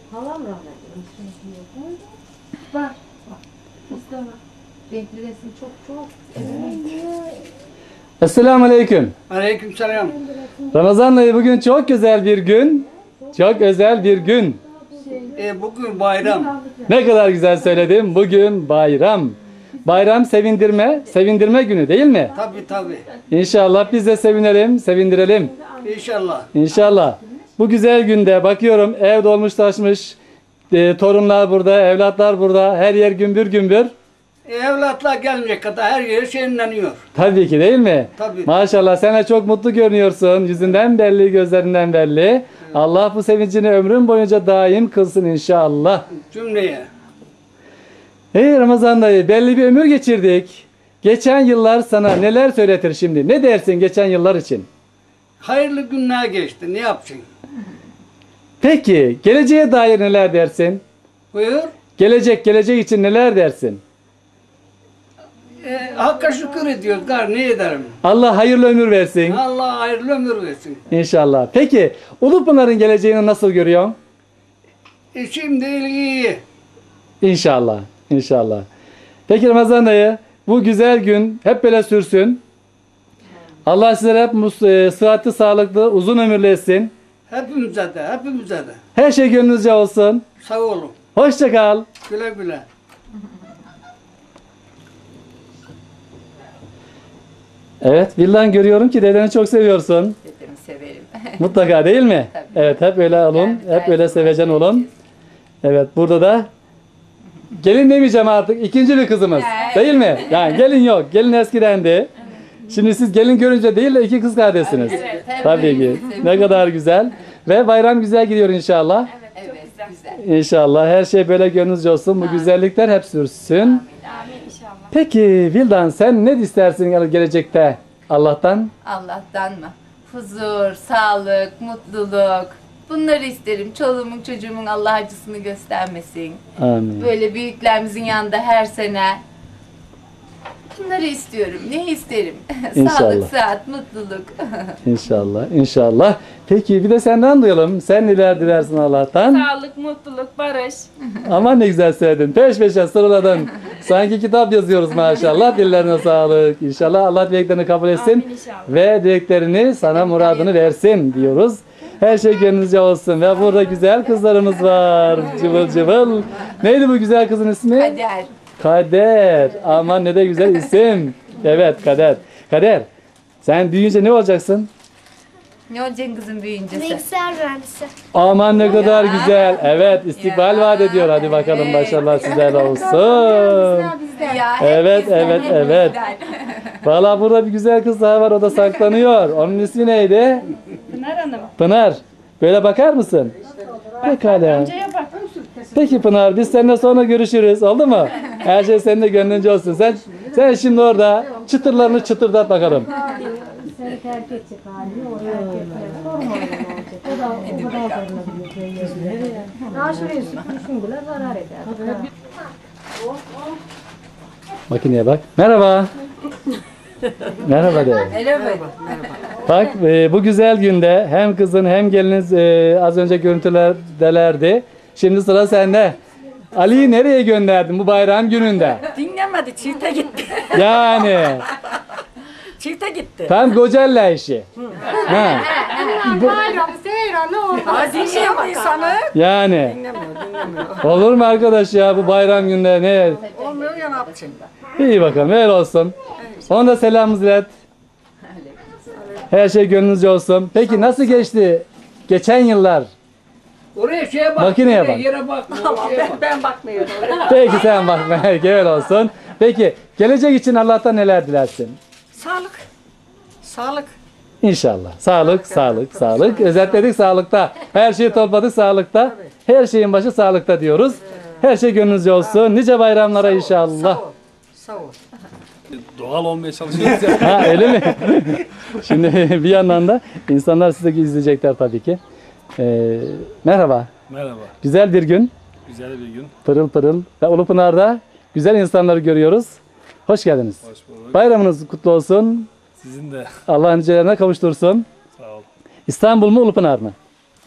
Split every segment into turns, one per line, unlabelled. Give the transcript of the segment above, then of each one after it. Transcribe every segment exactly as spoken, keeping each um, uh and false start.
Halam rahmetli. Var. Var. Mustafa. Renkli resim çok çok. Evet.
Esselamu Aleyküm.
Aleykümselam.
Ramazan ayı bugün çok güzel bir gün. Çok özel bir gün.
E, bugün bayram.
Ne kadar güzel söyledim. Bugün bayram. Bayram sevindirme, sevindirme günü değil mi?
Tabii tabii.
İnşallah biz de sevinelim, sevindirelim.
İnşallah.
İnşallah. Bu güzel günde bakıyorum ev dolmuş taşmış. E, torunlar burada, evlatlar burada. Her yer gümbür gümbür.
E, evlatlar gelmeyecek kadar her yeri şenleniyor.
Tabii ki değil mi?
Tabii.
Maşallah sen de çok mutlu görünüyorsun. Yüzünden belli, gözlerinden belli. Allah bu sevincini ömrün boyunca daim kılsın inşallah.
Cümleye.
Hey Ramazan dayı, belli bir ömür geçirdik. Geçen yıllar sana neler söyletir şimdi? Ne dersin geçen yıllar için?
Hayırlı günler geçti. Ne yapacaksın?
Peki, geleceğe dair neler dersin?
Buyur.
Gelecek, gelecek için neler dersin?
E, Hakka şükür ediyoruz. Gar ne ederim?
Allah hayırlı ömür versin.
Allah hayırlı ömür versin.
İnşallah. Peki, Ulupınar'ın geleceğini nasıl görüyorsun?
E, şimdi iyi.
İnşallah. İnşallah. Peki Ramazan dayı, bu güzel gün hep böyle sürsün. Allah sizlere hep mus- e, sıhhatli, sağlıklı, uzun ömürlü etsin.
Hepimize de, hepimize de.
Her şey gönlünüzce olsun.
Sağ olun.
Hoşça kal.
Güle güle.
Evet, Vildan görüyorum ki dedeni çok seviyorsun.
Dedemi severim.
Mutlaka değil mi?
Tabii.
Evet, hep öyle olun.
Yani
Hep
her
öyle
zaman
sevecen olun.
seveceğiz.
Evet, burada da gelin demeyeceğim artık. İkinci bir kızımız.
Evet.
Değil mi? Yani gelin yok. Gelin eskidendi. Şimdi siz gelin görünce değil de iki kız kardeşsiniz.
Evet, hem
Tabii ki.
birbirimizi
Ne kadar güzel. Ve bayram güzel gidiyor inşallah.
Evet, güzel.
İnşallah her şey böyle gönlünüzce olsun. Bu güzellikler hep sürsün.
Amin inşallah.
Peki Vildan sen ne istersin yani gelecekte Allah'tan?
Allah'tan mı? Huzur, sağlık, mutluluk. Bunları isterim. Çoluğumun çocuğumun Allah acısını göstermesin.
Amin.
Böyle büyüklerimizin yanında her sene. Bunları istiyorum. Ne isterim?
İnşallah.
Sağlık, sıhhat, mutluluk.
İnşallah, inşallah. Peki bir de senden duyalım. Sen neler dilersin Allah'tan?
Sağlık, mutluluk, barış.
Aman ne güzel söyledin. Peş peşe sıraladın. Sanki kitap yazıyoruz maşallah. Dillerine sağlık. İnşallah Allah dileklerini kabul etsin.
Amin inşallah.
Ve dileklerini sana muradını versin diyoruz. Her şey gönlünüzce olsun. Ve burada güzel kızlarımız var. Cıvıl cıvıl. Neydi bu güzel kızın ismi?
Kader.
Kader. Aman ne de güzel isim. Evet Kader. Kader. Sen büyüyünce ne olacaksın?
Ne olacaksın kızım büyüyünce sen?
Bilgisayar mühendisi.
Aman ne kadar güzel. Evet istikbal
Ya.
vaat ediyor. Hadi bakalım
Evet.
başarılar sizlerle olsun.
Ya, hep
Evet,
bizden,
evet,
hep
evet.
bizden.
Valla burada bir güzel kız daha var. O da saklanıyor. Onun ismi neydi?
Pınar Hanım.
Pınar. Böyle bakar mısın? Pekala.
Amcaya bak.
Peki Pınar biz seninle sonra görüşürüz. Oldu mu? Her şey senin de gönlünce olsun. Sen sen şimdi orada çıtırlarını çıtırdat bakalım.
Seni terk edecek halini o terk etmez. Sorma öyle ne olacak. O da o kadar zararlı. Ha şuraya süpürsün bile zarar eder.
Makineye bak. Merhaba. Merhaba de.
Merhaba.
Bak e, bu güzel günde hem kızın hem geliniz e, az önce görüntülerdelerdi. Şimdi sıra sende. Ali'yi nereye gönderdin bu bayram gününde?
Dinlemedi, çifte gitti.
Yani
Çifte gitti.
tam Gocella işi. Ha,
Bayram, seyran ne oldu?
Ha, dinliyor insanı.
yani
Dinlemiyor, dinlemiyor.
olur mu arkadaş ya bu bayram günde ne?
Olmuyor ya ne yapacaksın?
İyi bakalım öyle olsun. Ona da selamımızı ilet. Her şey gönlünüzce olsun. Peki nasıl geçti geçen yıllar?
Oraya şeye bak.
Makineye
yere-
bak.
Yere bakma.
Tamam,
şeye
ben,
bak.
ben bakmıyorum.
Peki sen bakma. Öyle olsun. Peki gelecek için Allah'tan neler dilersin?
Sağlık. Sağlık.
İnşallah. Sağlık, sağlık, sağlık. Özetledik sağlıkta. Her şeyi topladık sağlıkta. Her şeyin başı sağlıkta diyoruz. Her şey gönlünüzce olsun. Nice bayramlara inşallah.
Sağ ol. Sağ ol.
Doğal olmaya çalışıyoruz ya.
Ha öyle mi? Şimdi bir yandan da insanlar sizi izleyecekler tabii ki. Ee, merhaba.
Merhaba.
Güzel bir gün.
Güzel bir gün.
Pırıl pırıl. Ve Ulupınar'da güzel insanları görüyoruz. Hoş geldiniz.
Hoş bulduk.
Bayramınız kutlu olsun.
Sizin de
Allah nicelerine kavuştursun.
sağ ol.
İstanbul mu Ulupınar mı?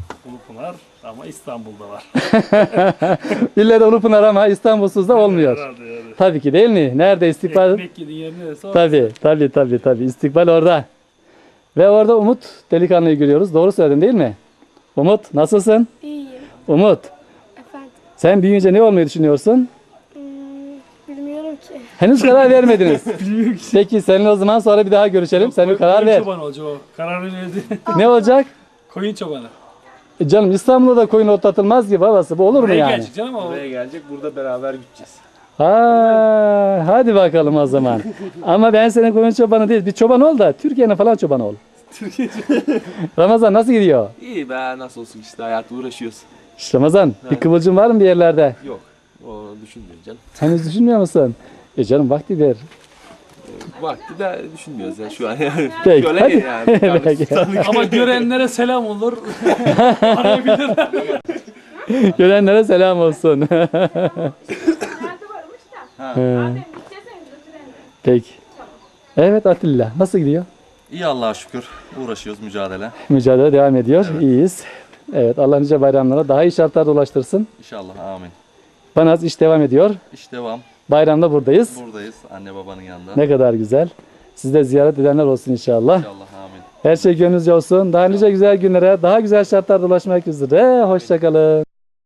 Ulupınar ama İstanbul'da var.
İlle de Ulupınar ama İstanbulsuz da olmuyor.
Herhalde yani.
Tabii ki değil mi? Nerede istikbal?
Ekmek yediğin yer neresi? orası.
Tabii, tabii, tabii, tabii. İstikbal orada. Ve orada Umut delikanlıyı görüyoruz. Doğru söyledin değil mi? Umut, nasılsın?
İyiyim.
Umut,
Efendim.
sen büyüyünce ne olmayı düşünüyorsun?
Hmm, bilmiyorum ki.
Henüz karar vermediniz. Peki seninle o zaman sonra bir daha görüşelim. Sen bir karar
Koyun
ver.
çobanı olacak o. Kararı verdi.
Ne olacak?
Koyun çobanı.
E Canım İstanbul'da da koyun otlatılmaz ki babası. Bu olur mu
Buraya
yani?
gelecek canım o.
Buraya gelecek, burada beraber gideceğiz.
Ha, hadi bakalım o zaman. Ama ben senin koyun çobanı değil. Bir çoban ol da Türkiye'nin falan çobanı ol. Ramazan nasıl gidiyor?
İyi be, nasıl olsun işte, hayatla uğraşıyoruz.
İşte Ramazan bir kıvılcım var mı bir yerlerde?
Yok, o düşünmüyorum canım.
Henüz düşünmüyor musun? E canım vakti ver.
Vakti de düşünmüyoruz ya şu an yani.
Peki,
Şöyle
hadi.
yani. kardeş
Peki.
tutarlık.
Ama görenlere selam olur. Arayabilirler.
Görenlere selam olsun. He. Peki. Evet Atilla nasıl gidiyor?
İyi Allah'a şükür. Uğraşıyoruz mücadele.
Mücadele devam ediyor. İyiyiz. Evet Allah nice bayramlara daha iyi şartlarda ulaştırsın.
İnşallah amin.
Bana az iş devam ediyor.
İş devam.
Bayramda buradayız.
Buradayız anne babanın yanında.
Ne kadar güzel. Siz de ziyaret edenler olsun inşallah.
İnşallah amin.
Her şey gönlünüzce olsun. Daha nice güzel günlere, daha güzel şartlarda ulaşmak üzere. Hoşçakalın.